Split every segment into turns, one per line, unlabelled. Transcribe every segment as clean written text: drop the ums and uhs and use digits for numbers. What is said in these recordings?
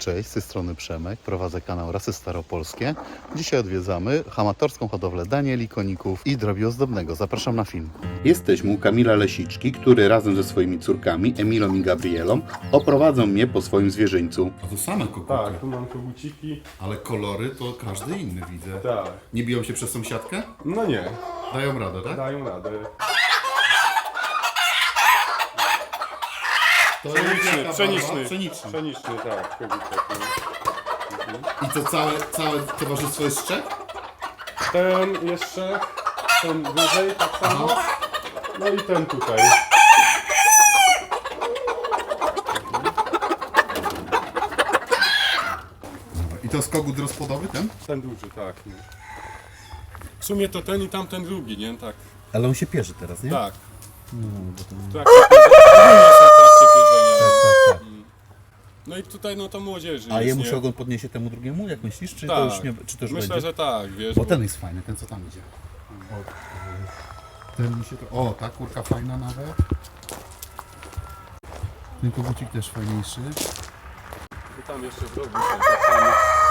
Cześć, z tej strony Przemek, prowadzę kanał Rasy Staropolskie. Dzisiaj odwiedzamy amatorską hodowlę danieli, koników i drobiu ozdobnego. Zapraszam na film. Jesteśmy u Kamila Lesiczki, który razem ze swoimi córkami, Emilą i Gabrielą, oprowadzą mnie po swoim zwierzyńcu. A to same koguty?
Tak, tu mam koguciki.
Ale kolory to każdy inny widzę.
Tak.
Nie biją się przez sąsiadkę?
No nie,
Dają radę, tak?
dają radę.
To
Pszeniczny, pszeniczny.
Pszeniczny.
Pszeniczny, tak, kogutek.
I to całe towarzystwo jest z Czech?
Ten jeszcze, ten wyżej tak samo. No i ten tutaj.
I to jest kogut rozpłodowy ten?
Ten duży, tak. No. W sumie to ten i tamten drugi, nie? Tak.
Ale on się pierze teraz, nie?
Tak.
No, bo to...
W trakcie pierzenia.
Tak.
No i tutaj no to młodzieży
A
jest,
jemu
nie?
się ogon podniesie temu drugiemu, jak myślisz? Czy
Tak.
to już nie, czy to już
Myślę,
będzie?
że tak, wiesz.
Bo ten jest fajny, ten co tam idzie. Ten mi się to... O, ta kurka fajna nawet. Ten kogucik też fajniejszy.
I tam jeszcze zrobił ten tak samo.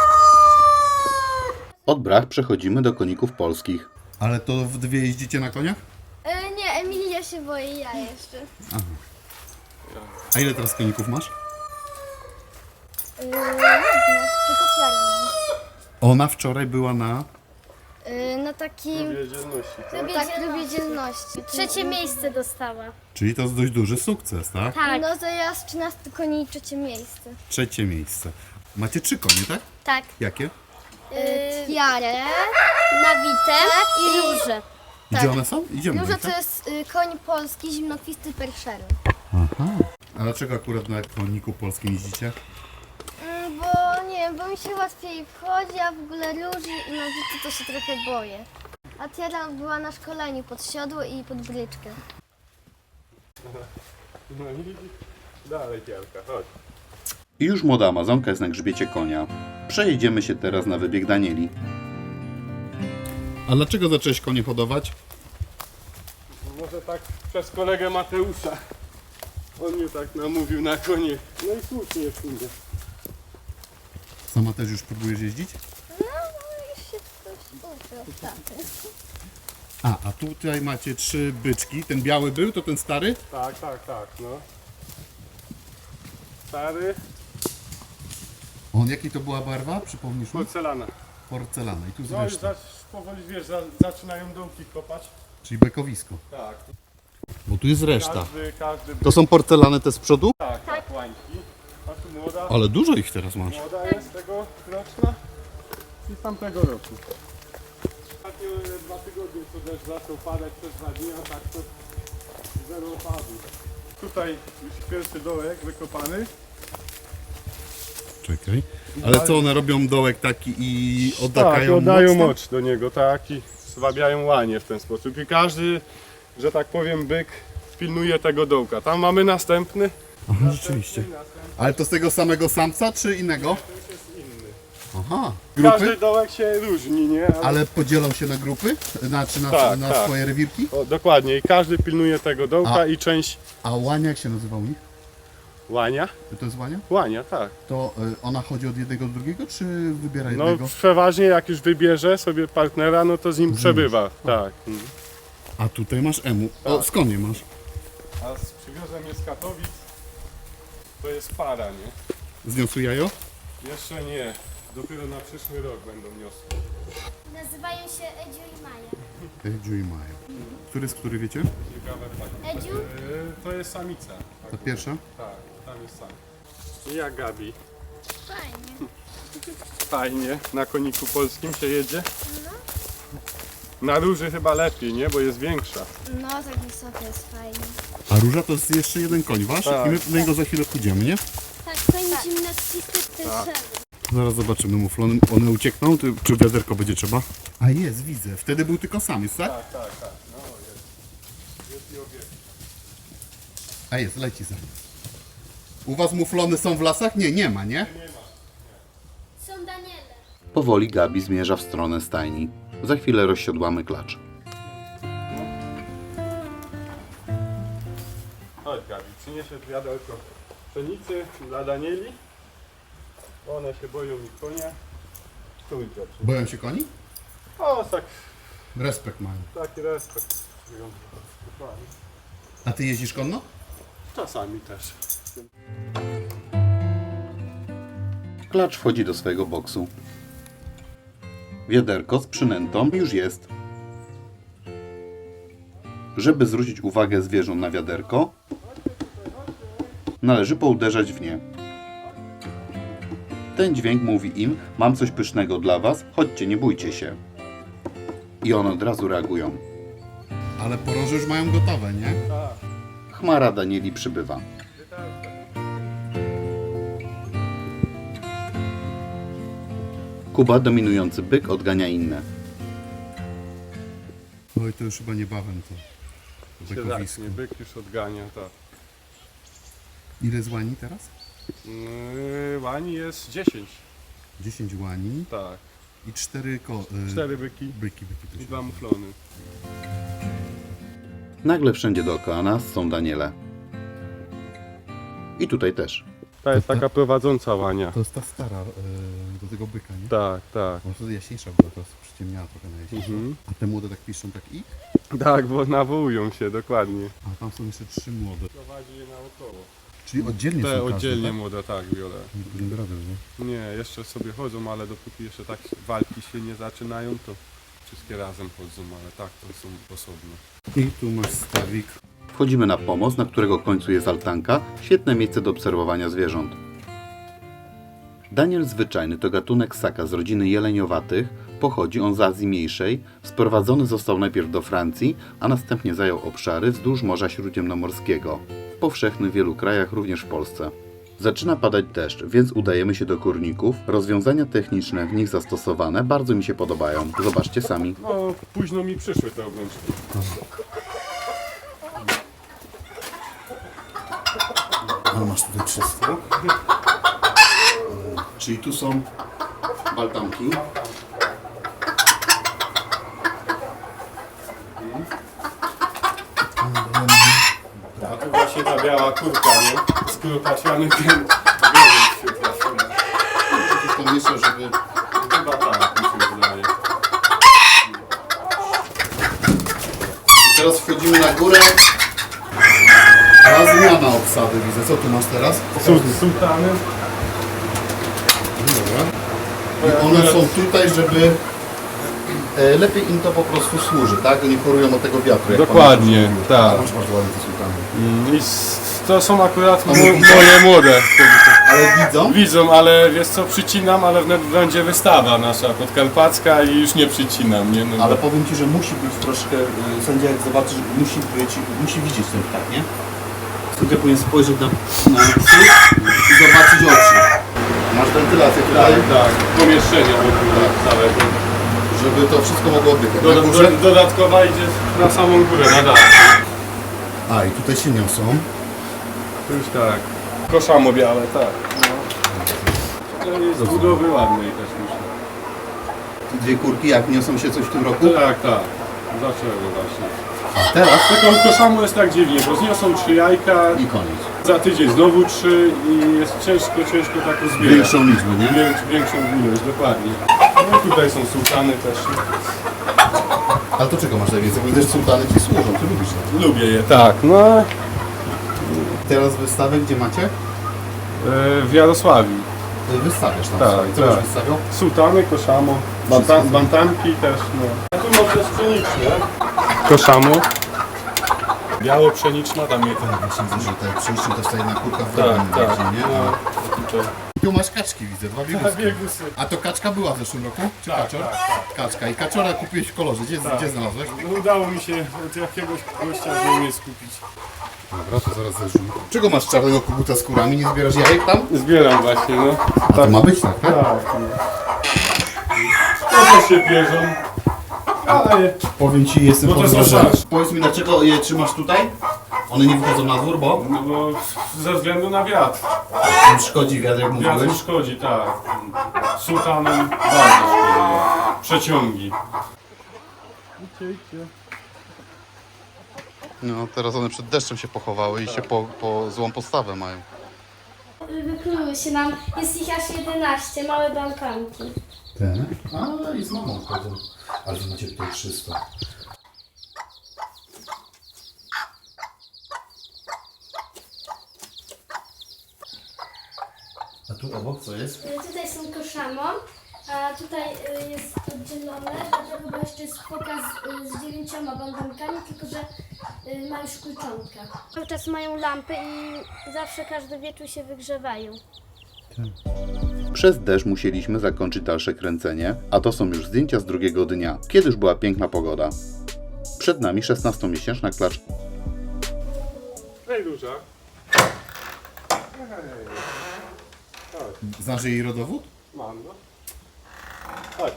Od brach przechodzimy do koników polskich. Ale to w dwie jeździcie na koniach?
Nie, Emilia się boi, ja jeszcze.
A ile teraz koników masz?
Różne, tylko czarno.
Ona wczoraj była na...
Na takim...
Wiedzielności, tak?
Tak, lubię dzielności. Trzecie miejsce dostała.
Czyli to jest dość duży sukces, tak?
Tak. No to ja z 13 koni i trzecie miejsce.
Trzecie miejsce. Macie 3 konie, tak?
Tak.
Jakie?
Tiarę, Nawitę i Różę.
Gdzie one są? Idziemy.
Róża
tak?
to jest koń polski, zimnokwisty perszery.
Aha. A dlaczego akurat na koniku polskim jeździcie?
Bo nie wiem, bo mi się łatwiej wchodzi, a w ogóle Róży i Nawity to się trochę boję. A Tiara była na szkoleniu pod siodło i pod bryczkę.
No i dalej Kielka, chodź.
I już młoda Amazonka jest na grzbiecie konia. Przejedziemy się teraz na wybieg Danieli. A dlaczego zacząłeś konie hodować?
Może tak przez kolegę Mateusza. On mnie tak namówił na konie. No i słusznie w sumie.
Sama też już próbujesz jeździć?
No, już się coś uczył, tak.
A tutaj macie 3 byczki. Ten biały był, to ten stary?
Tak, no. Stary,
On jakiej to była barwa? Przypomnisz mi?
porcelana.
Porcelana. I tu
No i
zresztą.
powoli wiesz, zaczynają dołki kopać.
Czyli bekowisko.
Tak.
Bo tu jest reszta.
Każdy
To są porcelany te z przodu?
tak, łańki. A tu młoda,
Ale dużo ich teraz masz.
młoda jest tego roczna i z tamtego roku. Ostatnio 2 tygodnie co deszcz zaczął padać przez 2 dni, a tak to zero opadu. Tutaj już pierwszy dołek wykopany.
Czekaj. Ale co one robią dołek taki i
Tak,
oddają
oddają
moc tam?
moc do niego, tak, i zwabiają łanie w ten sposób. I każdy, że tak powiem, byk pilnuje tego dołka. Tam mamy następny.
Aha, rzeczywiście. Ale to z tego samego samca czy innego? Aha.
Każdy
Grupy?
dołek się różni, nie?
Ale podzielą się na grupy? Znaczy na,
Tak,
na
tak.
swoje rewirki?
O, dokładnie, i każdy pilnuje tego dołka i część
A łania jak się nazywa u nich?
łania.
To jest łania?
Łania, tak.
To ona chodzi od jednego do drugiego, czy wybiera
No
jednego?
przeważnie jak już wybierze sobie partnera, no to z nim przebywa, tak.
A tutaj masz emu. O,
Tak.
skąd je masz?
A z przywiozem jest z Katowic, to jest para, nie?
Zniosły jajo?
Jeszcze nie, dopiero na przyszły rok będą niosły.
Nazywają się Edziu i Maja.
Edziu i Maja. Który z który wiecie?
Ciekawe tak.
Edziu?
To jest samica.
Ta pierwsza?
Tak, tam jest sam. I jak Gabi?
Fajnie.
Fajnie, na koniku polskim się jedzie. Na róży chyba lepiej, nie? Bo jest większa.
No, tak wysoko jest fajnie.
A róża to jest jeszcze jeden koń wasz?
Tak.
I my do niego za chwilę pójdziemy, nie?
Tak, fajnie gimnastyczny perszery.
Zaraz zobaczymy muflony. One uciekną, czy wiaderko będzie trzeba? A jest, widzę. Wtedy był tylko samiec, tak?
Tak. No jest. Jest i obiekt.
A jest, leci za. U was muflony są w lasach? Nie, nie ma, nie?
Są Daniele.
Powoli Gabi zmierza w stronę stajni. Za chwilę rozsiodłamy klacz.
Chodź Gabi, przyniesie wiaderko pszenicy dla Danieli. One się boją mi konia. Stójcie.
Boją się koni?
O, tak,
Respekt mają.
taki respekt. Dokładnie.
A ty jeździsz konno?
Czasami też.
Klacz wchodzi do swojego boksu. Wiaderko z przynętą już jest. Żeby zwrócić uwagę zwierząt na wiaderko, należy pouderzać w nie. Ten dźwięk mówi im: mam coś pysznego dla was, chodźcie, nie bójcie się. I one od razu reagują. Ale poroże już mają gotowe, nie?
Tak.
Chmara Danieli przybywa. Kuba, dominujący byk, odgania inne. Oj, to już chyba niebawem to.
Siedacznie, byk już odgania, tak.
Ile z łani teraz?
Łani jest 10.
10 łani
Tak.
i 4
4 byki
byki.
i 2 muflony.
Nagle wszędzie dookoła nas są Daniele. I tutaj też.
Ta jest taka prowadząca łania.
To jest ta stara do tego byka, nie?
Tak, tak.
Bo to jaśniejsza była, teraz przyciemniała trochę na jaśniejszą. A te młode tak piszą tak ich?
Tak, bo nawołują się, dokładnie.
A tam są jeszcze 3 młode.
Prowadzi je naokoło.
Czyli oddzielnie
Te
są każde,
oddzielnie
tak?
młode, tak, biorę.
Nie radę, nie?
Nie, jeszcze sobie chodzą, ale dopóki jeszcze tak walki się nie zaczynają, to wszystkie razem chodzą, ale tak, to są osobno.
I tu masz stawik. Wchodzimy na pomost, na którego końcu jest altanka. Świetne miejsce do obserwowania zwierząt. Daniel zwyczajny to gatunek ssaka z rodziny jeleniowatych. Pochodzi on z Azji Mniejszej. Sprowadzony został najpierw do Francji, a następnie zajął obszary wzdłuż Morza Śródziemnomorskiego. Powszechny w wielu krajach, również w Polsce. Zaczyna padać deszcz, więc udajemy się do kurników. Rozwiązania techniczne w nich zastosowane bardzo mi się podobają. Zobaczcie sami.
No, późno mi przyszły te obrączki.
A masz tutaj 300. Czyli tu są baltamki.
A tu właśnie ta biała kurka, nie? Z kurpacianym tym.
To mieszczę, żeby...
Chyba tak, mi się wydaje.
Teraz wchodzimy na górę. A zmiana obsady widzę. Co tu masz teraz?
Sultany.
Dobra. I one są tutaj, żeby lepiej im to po prostu służy, tak? Nie chorują od tego wiatru. jak
Dokładnie,
pamiętasz.
tak.
A masz bardzo ładne te sultany.
I to są akurat moje młode.
Ale widzą?
Widzą, ale wiesz co, przycinam, ale wnet będzie wystawa nasza podkarpacka i już nie przycinam, nie? No,
Ale powiem Ci, że musi być troszkę, sędzia jak zobaczy, musi widzieć ten ptak, nie? Sędzia powinien spojrzeć na psy i zobaczyć oczy. Masz wentylację tutaj,
tak, pomieszczenie całego.
żeby to wszystko mogło oddychać. Na górze?
Dodatkowa idzie na samą górę, na dach.
A i tutaj się niosą.
Już tak. Koszamo białe, tak. No. To jest z budowy ładnej też myślę.
Dwie kurki, jak niosą się coś w tym roku?
Tak, tak. Zaczęło właśnie.
A teraz?
Taką koszamo jest tak dziwnie, bo zniosą 3 jajka,
I koniec.
za tydzień znowu 3 i jest ciężko tak uzbierać.
Większą liczbę, nie?
Większą ilość, dokładnie. No i tutaj są sultany też.
Ale to czego masz najwięcej? Bo też sultany Ci służą, Ty lubisz to.
Lubię je. Tak, no.
Teraz wystawę gdzie macie?
W Jarosławiu.
Wystawiasz tam.
Tak,
sobie. Co
tak.
byś wystawiał?
Sultany, koszamo, bantamki też, no. A tu może jest pszeniczne. Koszamo. Biało pszeniczna, tam je ten.
Właśnie widzę, że te przyjście to jest ta jedna kurka w
Tak,
drugim
tak.
bardziej, nie?
No, tutaj.
Tu masz kaczki, widzę, dwa biegusy.
biegusy.
A to kaczka była w zeszłym roku? Czy
Tak,
kaczor?
tak,
Kaczka. I kaczora kupiłeś w kolorze. Gdzie znalazłeś?
No, udało mi się od jakiegoś gościa z nim je skupić.
Dobra, to zaraz zerzucimy. Czego masz czarnego koguta z kurami? Nie zbierasz jajek tam?
Zbieram właśnie, no.
A to ma być tak, tak?
Tak. To też się bierzą. Ale
Powiem Ci, jestem
Bo to
pod
są
wrażeniem.
nasze.
Powiedz mi, dlaczego je trzymasz tutaj? One nie wychodzą na dwór, bo
no bo ze względu na wiatr.
im szkodzi wiatr, jak
Wiatr
mówiłeś.
szkodzi, tak. Sultanem bardzo szkodzi. Przeciągi.
No, teraz one przed deszczem się pochowały i się po złą postawę mają.
wykluły się nam. Jest ich aż 11, małe bałkanki.
Ten? A, i z mamą chodzą. Ale wy macie tutaj 300. A tu obok co jest?
Tutaj są koszamon, a tutaj jest oddzielone, dlatego bo jeszcze jest foka z 9 bandankami, tylko że ma już kluczątkę. Cały czas mają lampy i zawsze każdy wieczór się wygrzewają.
Przez deszcz musieliśmy zakończyć dalsze kręcenie, a to są już zdjęcia z drugiego dnia, kiedy już była piękna pogoda. Przed nami 16-miesięczna klacz.
Hej, duża. Hej. Chodź,
Znasz jej rodowód?
mam, no. Chodź.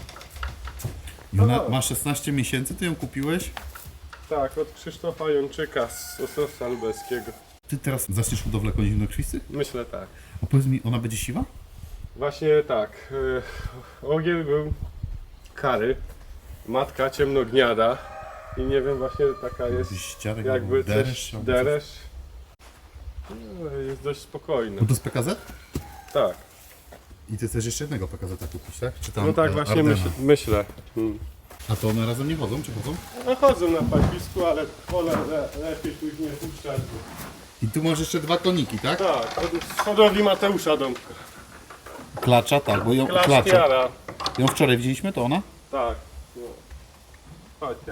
I ona ma 16 miesięcy, ty ją kupiłeś?
Tak, od Krzysztofa Jączyka z Ostrowca Lubelskiego.
Ty teraz zaczniesz hodowlę koni zimnokrwistych?
Myślę tak.
A powiedz mi, ona będzie siwa?
Właśnie tak. Ogiel był kary. Matka ciemnogniada. I nie wiem, właśnie taka jest
Jakiś ściarek,
jakby
deresz?
coś deresz. No, jest dość spokojna.
No to z PKZ?
Tak.
I ty chcesz jeszcze jednego PKZ kupić, tak? Czy tam
No tak właśnie
Ardena?
myślę.
A to one razem nie chodzą, czy chodzą?
No chodzą na paśpisku, ale wolę lepiej później puszczać.
I tu masz jeszcze 2 koniki, tak?
Tak, z hodowli Mateusza Dąbka.
Klacza, tak, bo ją
Klaszkiara.
Ją wczoraj widzieliśmy, to ona?
Tak. No. Chodź, ja.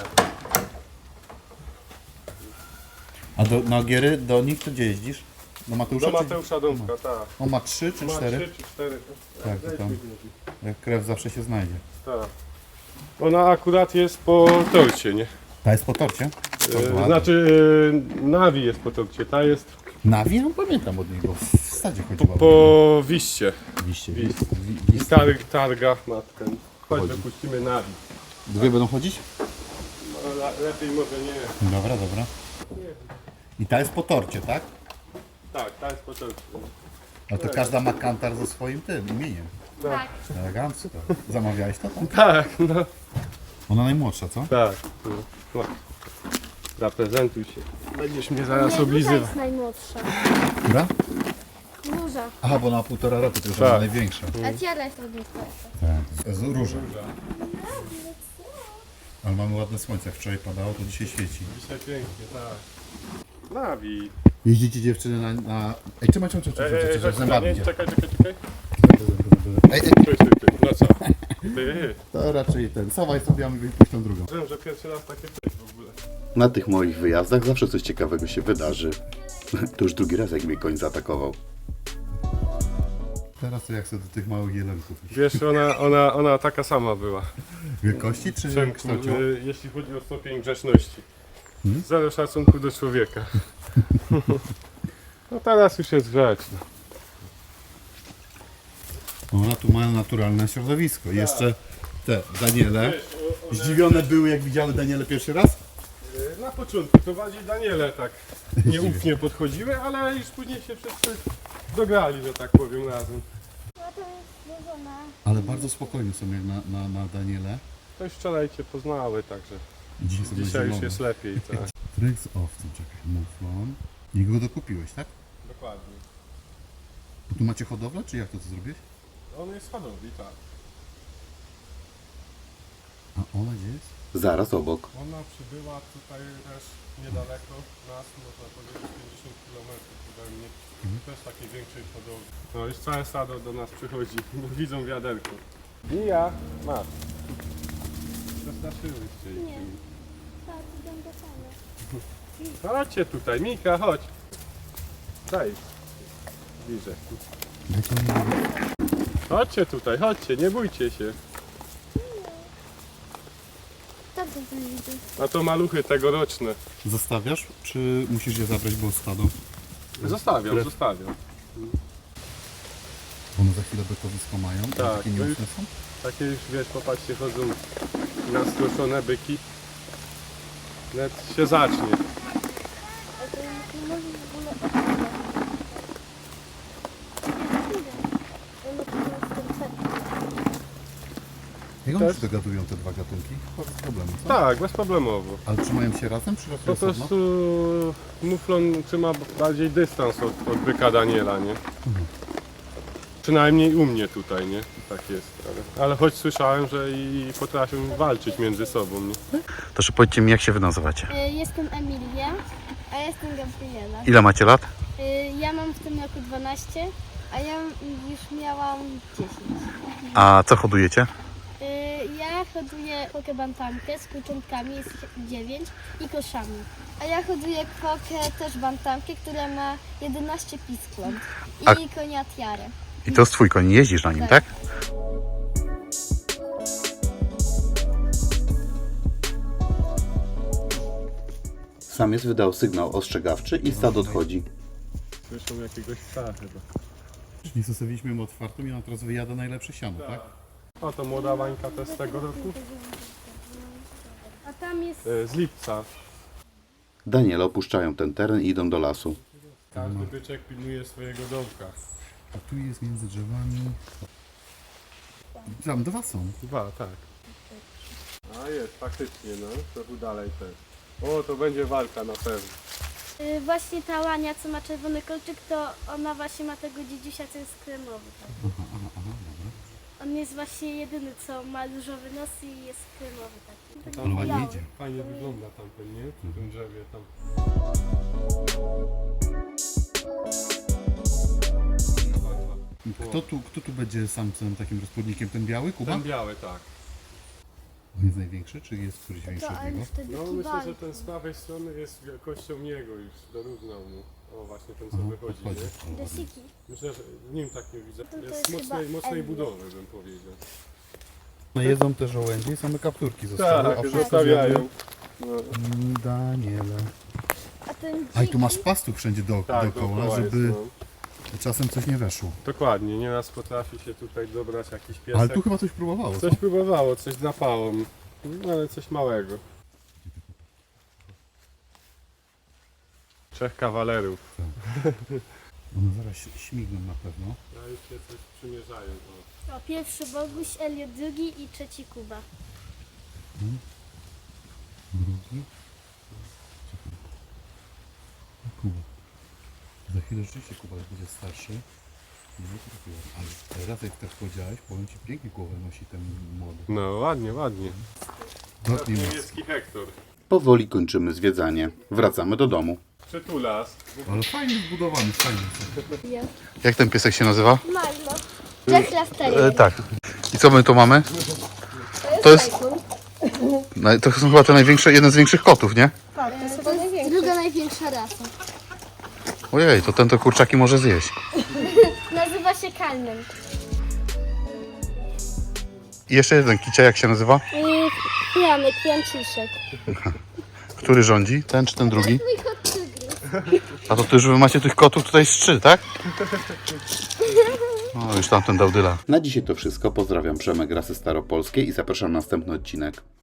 A na Ogiery, do nich to gdzie jeździsz? Do Mateusza?
Do
czy-
Mateusza Dąbka, tak.
On ma 3 czy
Ma
4?
3 czy 4.
Tak, to tam. Jak krew zawsze się znajdzie.
Tak. Ona akurat jest po torcie, nie?
Ta jest po torcie?
Znaczy Nawi jest po torcie, ta jest
Nawi? Ja pamiętam od niego. W stadzie chodziła.
po wiście.
Wiście.
I targa matkę. Chodź,
Chodzi.
wypuścimy Nawi.
Dwie będą chodzić?
No, lepiej może nie.
Dobra, dobra. I ta jest po torcie, tak?
Tak, ta jest po torcie.
No to każda ma kantar ze swoim tym imieniem.
Tak.
Elegancko. Zamawiałeś to? Tak?
Tak, no.
Ona najmłodsza, co?
Tak. No. Zaprezentuj się. Będziesz mnie zaraz
Duża
oblizywał.
jest najmłodsza.
Która?
Duża.
Aha, bo ona ma 1,5 roku, to już
Tak.
ona największa.
A tiara jest od nich.
Tak. Z róża. Ale mamy ładne słońce. Jak wczoraj padało, to dzisiaj świeci.
Dzisiaj pięknie, tak. Nawi.
Jeździcie dziewczyny na... Ej, trzymaj,
Chodź,
zębami idzie.
czekaj.
Ej,
Ty. No co? Ty.
to raczej ten. Sawaj sobie, a my wypuść tą drugą.
Wiem, że pierwszy raz takie coś w ogóle.
Na tych moich wyjazdach zawsze coś ciekawego się wydarzy. To już drugi raz, jak mnie koń zaatakował. Teraz to jak sobie do tych małych jelenków.
Wiesz, ona taka sama była.
Wielkości czy
Przemku,
kształcią?
jeśli chodzi o stopień grzeczności. Zero szacunku do człowieka. No teraz już jest grzeczna.
Ona tu ma naturalne środowisko. Jeszcze te Daniele.
Wiesz, one,
Zdziwione były, jak widziały Daniele pierwszy raz?
na początku to bardziej Daniele tak nieufnie podchodziły, ale już później się wszyscy dograli, że tak powiem, razem.
Ale bardzo spokojne są jak na Daniele.
To już wczoraj cię poznały, także
I dzisiaj są
dzisiaj już
zielone.
jest lepiej. Tak.
Tryk z owcą, czekaj, muflon. I go dokupiłeś, tak?
Dokładnie.
Bo tu macie hodowlę, czy jak to zrobiłeś?
On jest hodowli, tak.
A ona gdzie jest?
Zaraz obok.
Ona przybyła tutaj też niedaleko nas, można powiedzieć 50 km ode mnie. Też takiej większej hodowli. No już całe stado do nas przychodzi, bo widzą wiaderko. I ja, masz. Przestraszyłyście ich.
Nie. Tak, idę do same.
Chodźcie tutaj, Mika, chodź. Daj. Bliżej. Chodźcie tutaj, chodźcie, nie bójcie się.
Tak to widzę.
A to maluchy tegoroczne.
Zostawiasz, czy musisz je zabrać, bo stadą?
Zostawiam.
One za chwilę bykowisko mają, a
Tak,
takie
no
nieufne są?
Takie już, wiesz, popatrzcie, chodzą nastroszone byki. Net się zacznie.
A to nie może w ogóle odpływać. Nie wiem. Ono po prostu
Jak one
Też?
się dogadują, te dwa gatunki? Bez problemu, co?
Tak, bezproblemowo.
Ale trzymają się razem, czy raczej
Po
osobno?
prostu muflon trzyma bardziej dystans od byka Daniela, nie? Przynajmniej u mnie tutaj, nie? Tak jest. Ale choć słyszałem, że i potrafią walczyć między sobą, nie?
Proszę powiedzcie mi, jak się wy nazywacie?
Jestem Emilia.
A ja jestem Gabriela.
Ile macie lat?
Ja mam w tym roku 12.
A ja już miałam 10.
A co hodujecie?
Ja hoduję fokę bantamkę z kurczątkami, jest ich 9 i koszami.
A ja hoduję kwokę, też bantamkę, która ma 11 piskląt.
A-
I konia tiarę.
I to jest twój koń, jeździsz na nim, tak? Samiec wydał sygnał ostrzegawczy i stado odchodzi.
Słyszą jakiegoś psa chyba.
Czyli zostawiliśmy ją otwartą i ona teraz wyjada najlepsze siano, tak?
O, to młoda bańka też z tego roku?
A tam jest
Z lipca.
Daniele opuszczają ten teren i idą do lasu.
Każdy byczek pilnuje swojego domka.
A tu jest między drzewami... Tam dwa są.
Dwa, tak. A jest, faktycznie, no. Trochę dalej też. O, to będzie walka na pewno.
właśnie ta łania, co ma czerwony kolczyk, to ona właśnie ma tego dziedziusia, co jest kremowy. Tak. On jest właśnie jedyny, co ma różowy nos i jest kremowy taki.
Ale ładnie
biały.
idzie.
Fajnie wygląda tamten, nie? Przy tym drzewie tam.
Kto tu będzie samcem takim rozpłodnikiem? Ten biały, Kuba?
Ten biały, tak.
On jest największy, czy jest któryś większy
To
od
ale
niego?
wtedy
No myślę,
kiwali.
że ten z prawej strony jest wielkością niego już, dorównał mu. O, właśnie ten co
Aha,
wychodzi,
podchodzi.
nie?
Desiki.
Myślę, że w nim tak nie widzę.
To
Jest
jest
mocnej,
chyba
mocnej
Elvis.
budowy, bym powiedział.
No jedzą te żołędzie i same kapturki zostały.
Tak, zostawiają. No,
Daniele.
A ten
A i tu masz pastuch wszędzie
tak,
dookoła,
dookoła
żeby
jest, no.
czasem coś nie weszło.
Dokładnie, nieraz potrafi się tutaj dobrać jakiś piesek.
Ale tu chyba coś próbowało, co?
Coś próbowało, coś drapało, no, ale coś małego. Trzech kawalerów.
One zaraz śmigną na pewno.
A już się coś przymierzają. O.
O, pierwszy Boguś, Elliot drugi i trzeci Kuba.
Drugi. Kuba. Za chwilę rzeczywiście Kuba już będzie starszy. Nie trafiłem. Ale teraz jak tak powiedziałeś, powiem ci, pięknie głowę nosi ten młody.
No ładnie, ładnie.
Ładnie ma.
Niebieski Hektor.
Powoli kończymy zwiedzanie. Wracamy do domu.
Przytulas.
Ale fajnie zbudowany, fajnie. Jak ten piesek się nazywa?
Milo. Jack Russell.
Tak. I co my tu mamy? To jest... To są chyba te największe, jeden z większych kotów, nie?
Tak, to jest chyba druga największa rasa.
Ojej, to ten to kurczaki może zjeść.
Nazywa się Kalnem.
I jeszcze jeden kicia, jak się nazywa?
Janek, Janciszek.
Który rządzi? Ten czy ten drugi?
Mój kot tygrys.
A to ty już wy macie tych kotów tutaj z 3, tak? No już tamten dał dyla. Na dzisiaj to wszystko. Pozdrawiam, Przemek, Rasy Staropolskie i zapraszam na następny odcinek.